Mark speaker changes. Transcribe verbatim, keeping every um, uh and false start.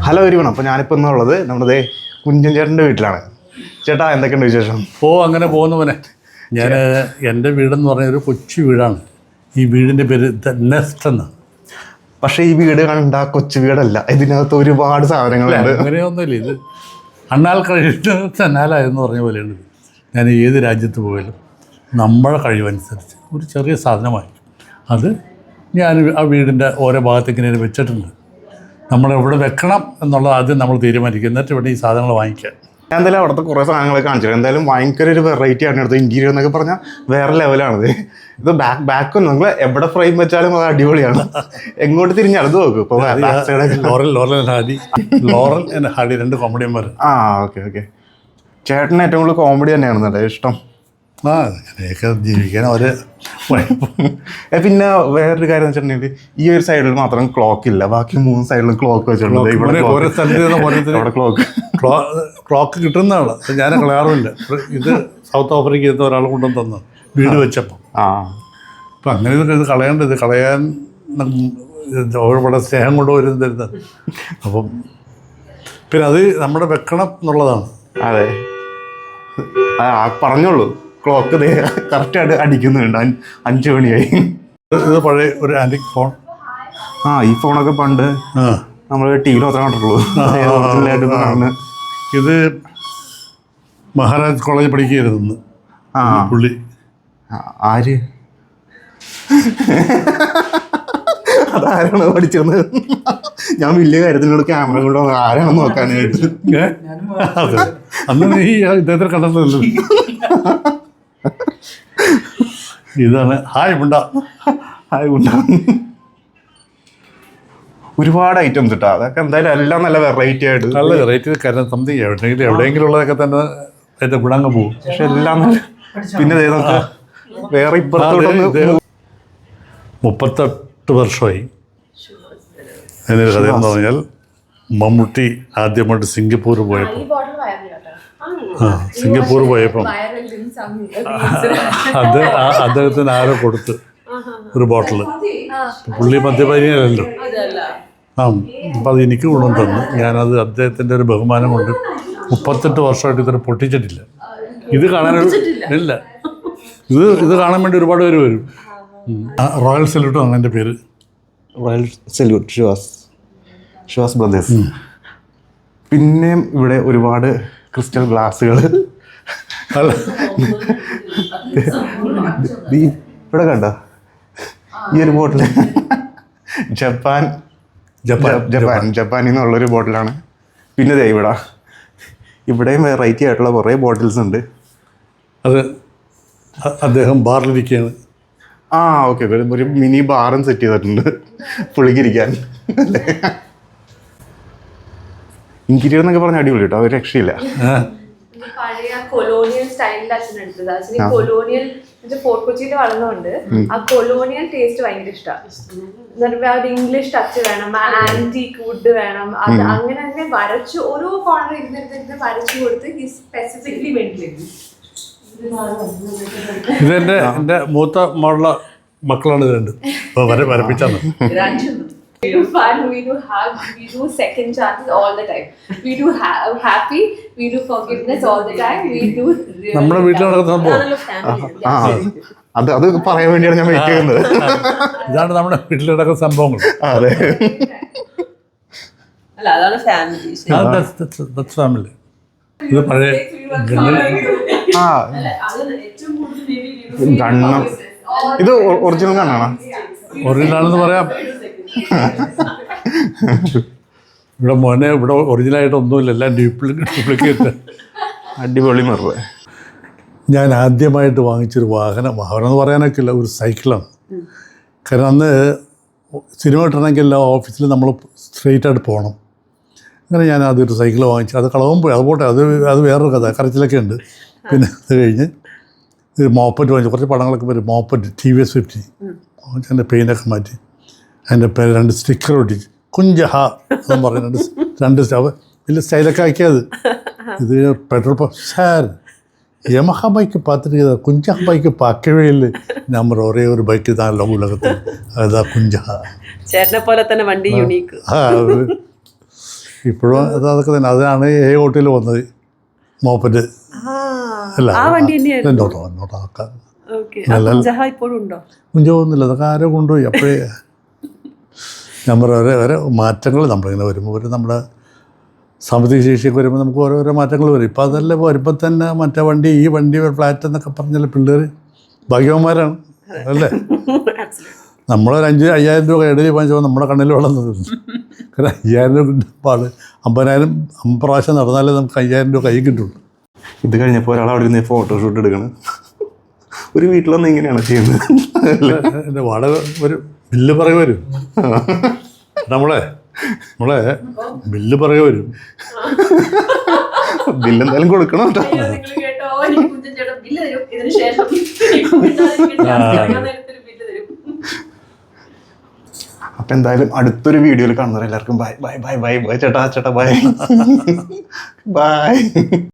Speaker 1: Hello everyone, അപ്പോൾ ഞാനിപ്പോൾ എന്നുള്ളത് നമ്മുടെ കുഞ്ചൻ ചേട്ടൻ്റെ വീട്ടിലാണ്. ചേട്ടാ എന്തൊക്കെയുണ്ട് വിശേഷം?
Speaker 2: ഓ അങ്ങനെ പോകുന്നവനെ. ഞാൻ എൻ്റെ വീടെന്ന് പറഞ്ഞൊരു കൊച്ചു വീടാണ്. ഈ വീടിൻ്റെ പേര് ദ നെസ്റ്റ് എന്നാണ്.
Speaker 1: പക്ഷേ ഈ വീട് കണ്ട കൊച്ചു വീടല്ല, ഇതിനകത്ത് ഒരുപാട് സാധനങ്ങളുണ്ട്.
Speaker 2: അങ്ങനെയൊന്നുമില്ല, ഇത് അണ്ണാൽ കഴിയുന്ന തന്നാലായെന്ന് പറഞ്ഞ പോലെയാണ്. ഞാൻ ഏത് രാജ്യത്ത് പോയാലും നമ്മുടെ കഴിവനുസരിച്ച് ഒരു ചെറിയ സാധനമായി അത് ഞാൻ ആ വീടിൻ്റെ ഓരോ ഭാഗത്തേക്ക് ഇങ്ങനെ വെച്ചിട്ടുണ്ട്. നമ്മളെവിടെ വെക്കണം എന്നുള്ളത് ആദ്യം നമ്മൾ തീരുമാനിക്കും, എന്നിട്ട് ഇവിടെ ഈ സാധനങ്ങൾ വാങ്ങിക്കാം.
Speaker 1: ഞാൻ എന്തായാലും അവിടുത്തെ കുറേ സാധനങ്ങൾ കാണിച്ചു. എന്തായാലും ഭയങ്കര ഒരു വെറൈറ്റി ആണ് എടുത്തത്. ഇൻറ്റീരിയർ എന്നൊക്കെ പറഞ്ഞാൽ വേറെ ലെവലാണിത്. ഇത് ബാക്ക് ബാക്കൊന്നും നിങ്ങൾ എവിടെ ഫ്രെയിം വെച്ചാലും അത് അടിപൊളിയാണ്. എങ്ങോട്ട് തിരിഞ്ഞാൽ അത് നോക്കും. ഇപ്പോൾ
Speaker 2: Laurel Laurel and Hardy Laurel and Hardy രണ്ട് കോമഡിയന്മാർ.
Speaker 1: ആ ഓക്കെ ഓക്കെ. ചേട്ടന് ഏറ്റവും കൂടുതൽ കോമഡി തന്നെയാണെന്നല്ലേ ഇഷ്ടം?
Speaker 2: ആ അങ്ങനെയൊക്കെ ജീവിക്കാൻ ഒരു
Speaker 1: പിന്നെ വേറൊരു കാര്യം എന്ന് വെച്ചിട്ടുണ്ടെങ്കിൽ ഈ ഒരു സൈഡിൽ മാത്രം ക്ലോക്ക് ഇല്ല, ബാക്കി മൂന്ന് സൈഡിലും ക്ലോക്ക് വെച്ചിട്ടുണ്ട്.
Speaker 2: ഓരോ സ്ഥലത്ത് ക്ലോക്ക് ക്ലോക്ക് കിട്ടുന്നതാണ്. ഞാൻ കളയാറുമില്ല. ഇത് സൗത്ത് ആഫ്രിക്കയിൽ നിന്ന് ഒരാൾ കൊണ്ടുവന്ന് തന്നു വീട് വെച്ചപ്പോൾ.
Speaker 1: ആ
Speaker 2: അപ്പം അങ്ങനെ ഇത് കളയേണ്ടത് കളയാൻ ഒരുപാട് സ്നേഹം കൊണ്ടുവരുന്ന തരുന്നത്. അപ്പം പിന്നെ അത് നമ്മുടെ വെക്കണം എന്നുള്ളതാണ്.
Speaker 1: അതെ, പറഞ്ഞോളൂ. ക്ലോക്ക് കറക്റ്റായിട്ട് അടിക്കുന്നുണ്ട്. അഞ്ച് മണിയായി.
Speaker 2: ഇത് പഴയ ഒരു ആൻറ്റിക് ഫോൺ.
Speaker 1: ആ ഈ ഫോണൊക്കെ പണ്ട് നമ്മൾ ടി വിയിൽ മാത്രമേ കണ്ടിട്ടുള്ളൂ.
Speaker 2: ഇത് മഹാരാജ് കോളേജിൽ പഠിക്കുകയായിരുന്നു
Speaker 1: ആ
Speaker 2: പുള്ളി.
Speaker 1: ആര് അതാരാണ് പഠിച്ചത്? ഞാൻ വലിയ കാര്യത്തിനോട് ക്യാമറ കൂടെ ആരാണെന്ന് നോക്കാനായിട്ട്.
Speaker 2: അതെ, അന്ന് നീ ഇദ്ദേഹത്തെ കണ്ടെത്തല്ലോ. ഇതാണ് ഹായ് മുണ്ട.
Speaker 1: ഹായ് മുണ്ട. ഒരുപാട് ഐറ്റംസ് കിട്ടാം. അതൊക്കെ എന്തായാലും എല്ലാം നല്ല വെറൈറ്റി ആയിട്ട്
Speaker 2: നല്ല വെറൈറ്റി. കാരണം സംതിങ് എവിടെയെങ്കിലും എവിടെയെങ്കിലും ഉള്ളതൊക്കെ തന്നെ അതിൻ്റെ ഗുണങ്ങ് പോകും.
Speaker 1: പക്ഷെ എല്ലാം പിന്നെ വേറെ ഇപ്പുറത്തോട്ടൊന്ന്
Speaker 2: മുപ്പത്തെട്ട് വർഷമായി എന്നൊരു കഥ എന്ന് പറഞ്ഞാൽ മമ്മൂട്ടി ആദ്യമായിട്ട് സിംഗപ്പൂർ പോയപ്പോൾ ആ സിംഗപ്പൂർ പോയപ്പം അത് അദ്ദേഹത്തിന് ആരോ കൊടുത്ത് ഒരു ബോട്ടിൽ. പുള്ളി മദ്യപാനിയല്ലോ. ആ അപ്പം അത് എനിക്ക് ഗുണം തന്നു. ഞാനത് അദ്ദേഹത്തിൻ്റെ ഒരു ബഹുമാനം കൊണ്ട് മുപ്പത്തെട്ട് വർഷമായിട്ട് ഇത്ര പൊട്ടിച്ചിട്ടില്ല. ഇത് കാണാനൊരു ഇല്ല. ഇത് ഇത് കാണാൻ വേണ്ടി ഒരുപാട് പേര് വരും. റോയൽ സല്യൂട്ട് ആണ് എൻ്റെ പേര്.
Speaker 1: Royal salute Chivas Chivas brothers. പിന്നെയും ഇവിടെ ഒരുപാട് ക്രിസ്റ്റൽ ഗ്ലാസ്സുകൾ. ഇവിടെ കണ്ടോ ഈ ഒരു ബോട്ടിൽ? ജപ്പാൻ ജപ്പാൻ ജപ്പാൻ ജപ്പാനിൽ നിന്നുള്ളൊരു ബോട്ടിലാണ്. പിന്നെ ദേ ഇവിടെ ഇവിടെയും വെറൈറ്റി ആയിട്ടുള്ള കുറേ ബോട്ടിൽസ് ഉണ്ട്.
Speaker 2: അത് അദ്ദേഹം ബാറിലിരിക്കുകയാണ്.
Speaker 1: ആ ഓക്കെ, ഒരു മിനി ബാറും സെറ്റ് ചെയ്തിട്ടുണ്ട് പുള്ളിക്കിരിക്കാൻ. ഇൻറ്റീരിയർ എന്നൊക്കെ പറഞ്ഞ അടിപൊളി കേട്ടോ, ഒരു രക്ഷയില്ല.
Speaker 3: പഴയ കൊളോണിയൽ സ്റ്റൈലിൽ അച്ഛൻ എടുത്തത്. അച്ഛന് കൊളോണിയൽ ഫോർട്ട് കൊച്ചിയിൽ വളർന്നുകൊണ്ട് ആ കൊളോണിയൽ ടേസ്റ്റ് ഭയങ്കര ഇഷ്ടമാണ്. ഇംഗ്ലീഷ് ടച്ച് വേണം, ആന്റിക് വുഡ് വേണം. അത് അങ്ങനെ അങ്ങനെ വരച്ചു ഓരോ കോർണർ ഇരുന്നിരുന്നിരുന്ന് വരച്ചു കൊടുത്ത് സ്പെസിഫിക്കലി വേണ്ടിയിരുന്നു.
Speaker 2: ഇതെന്റെ എൻ്റെ മൂത്ത മോളുടെ മക്കളാണ് ഇത് രണ്ട്. വര വരപ്പിച്ചാണ്.
Speaker 3: We do fun, we do hug, we do second chances all the time. We do ha- happy, we do forgiveness all the time. We do.
Speaker 2: നമ്മുടെ വീട്ടിൽ നടക്കുന്ന സംഭവം.
Speaker 1: ആ അത് അത് പറയാൻ വേണ്ടിയാണ് ഞാൻ വെയിറ്റ് ചെയ്യുന്നത്.
Speaker 2: ഇതാണ് നമ്മുടെ വീട്ടിൽ നടക്കുന്ന സംഭവങ്ങൾ.
Speaker 1: അതെ,
Speaker 4: അല്ല അതാണ് ഫാമിലി.
Speaker 2: ഫാമിലി. ഇത് പഴയ
Speaker 1: ആ ഗണ്ണം. ഇത് ഒറിജിനൽ ഗണ്ണാണോ?
Speaker 2: ഒറിജിനലാണെന്ന് പറയാം. ഇവിടെ മോനെ ഇവിടെ ഒറിജിനലായിട്ട് ഒന്നുമില്ല, എല്ലാം ഡ്യൂപ്ലിക്കേറ്റ് ഡ്യൂപ്ലിക്കേറ്റ്.
Speaker 1: അടിപൊളി മറവ്.
Speaker 2: ഞാൻ ആദ്യമായിട്ട് വാങ്ങിച്ചൊരു വാഹനം വാഹനം എന്ന് പറയാനൊക്കെ ഇല്ല, ഒരു സൈക്കിളാണ്. കാരണം അന്ന് സിനിമ കിട്ടണമെങ്കിൽ എല്ലാ ഓഫീസിലും നമ്മൾ സ്ട്രെയിറ്റ് ആയിട്ട് പോകണം. അങ്ങനെ ഞാൻ ആദ്യം ഒരു സൈക്കിൾ വാങ്ങിച്ചു. അത് കളവും പോയി, അത് പോട്ടെ, അത് അത് വേറൊരു കഥ, കരച്ചിലൊക്കെ ഉണ്ട്. പിന്നെ അത് കഴിഞ്ഞ് ഒരു മോപ്പറ്റ് വാങ്ങിച്ചു. കുറച്ച് പടങ്ങളൊക്കെ വരും. Moped T V S fifty വാങ്ങിച്ച് അതിൻ്റെ പെയിൻ്റൊക്കെ മാറ്റി അതിൻ്റെ പേര് രണ്ട് സ്റ്റിക്കർ ഒട്ടിച്ച് കുഞ്ചഹ എന്ന് പറഞ്ഞ് രണ്ട് രണ്ട് സ്റ്റവ് വലിയ സ്റ്റൈലൊക്കെ ആക്കിയത്. ഇത് petrol pump sir Yamaha bike பார்த்துட்டு കുഞ്ചഹ ബൈക്ക് பார்க்கவே இல்லை. നമ്മൾ ഒരേ ഒരു ബൈക്ക് தான் ഉലകത്തിൽ, അതാ കുഞ്ചഹ.
Speaker 4: ചേട്ടനെ പോലെ തന്നെ വണ്ടി യുണീക്ക്.
Speaker 2: ഇപ്പോഴും അത് അതൊക്കെ തന്നെ. അതിനാണ് ഏ ഓട്ടിൽ വന്നത് മോപ്പറ്റ്. അല്ല
Speaker 4: ആ വണ്ടി തന്നെയായിരുന്നു.
Speaker 2: എന്നോട്ടോ എന്നോട്ടോ ആക്കാൻ
Speaker 4: ഓക്കെ. കുഞ്ചഹ ഇപ്പോഴും ഉണ്ടോ?
Speaker 2: കുഞ്ചൊന്നുമില്ല, അതൊക്കെ ആരോ കൊണ്ടുപോയി. അപ്പോഴേ ഞാൻ പറയാം ഓരോ ഓരോ മാറ്റങ്ങൾ നമ്മളിങ്ങനെ വരുമ്പോൾ ഒരു നമ്മുടെ സാമ്പത്തിക ശേഷിയൊക്കെ വരുമ്പോൾ നമുക്ക് ഓരോരോ മാറ്റങ്ങൾ വരും. ഇപ്പം അതല്ല വരുമ്പോൾ തന്നെ മറ്റേ വണ്ടി ഈ വണ്ടി ഫ്ലാറ്റ് എന്നൊക്കെ പറഞ്ഞാൽ പിള്ളേർ ഭാഗ്യവന്മാരാണ് അല്ലേ. നമ്മളൊരു അഞ്ച് അയ്യായിരം രൂപ ഇടയിൽ വാങ്ങിച്ചപ്പോൾ നമ്മുടെ കണ്ണിൽ വെള്ളം നിന്നു. കാരണം അയ്യായിരം രൂപ കിട്ടുമ്പോൾ ആൾ അമ്പതിനായിരം അമ്പത് പ്രാവശ്യം നടന്നാലേ നമുക്ക് അയ്യായിരം രൂപ കൈ കിട്ടുള്ളൂ.
Speaker 1: ഇത് കഴിഞ്ഞപ്പോൾ ഒരാൾ അവിടെ ഇരുന്ന് ഫോട്ടോഷൂട്ട് എടുക്കണം. ഒരു വീട്ടിലൊന്നും ഇങ്ങനെയാണ് ചെയ്യുന്നത്.
Speaker 2: എൻ്റെ വാടക ഒരു ബില്ല് പറയുക വരും. നമ്മളെ നമ്മളെ ബില്ല് പറയുക വരും.
Speaker 1: ബില്ല് എന്തായാലും കൊടുക്കണം കേട്ടോ.
Speaker 3: കേട്ടോ, എനിക്ക് കുഞ്ചൻ ചേട്ടൻ ബില്ല് തരും. ഇതിന് ശേഷം
Speaker 1: അപ്പം എന്തായാലും അടുത്തൊരു വീഡിയോയിൽ കാണുന്നവരെല്ലാവർക്കും bye bye bye bye bye ചേട്ടാ ചേട്ടാ ബൈ ബൈ.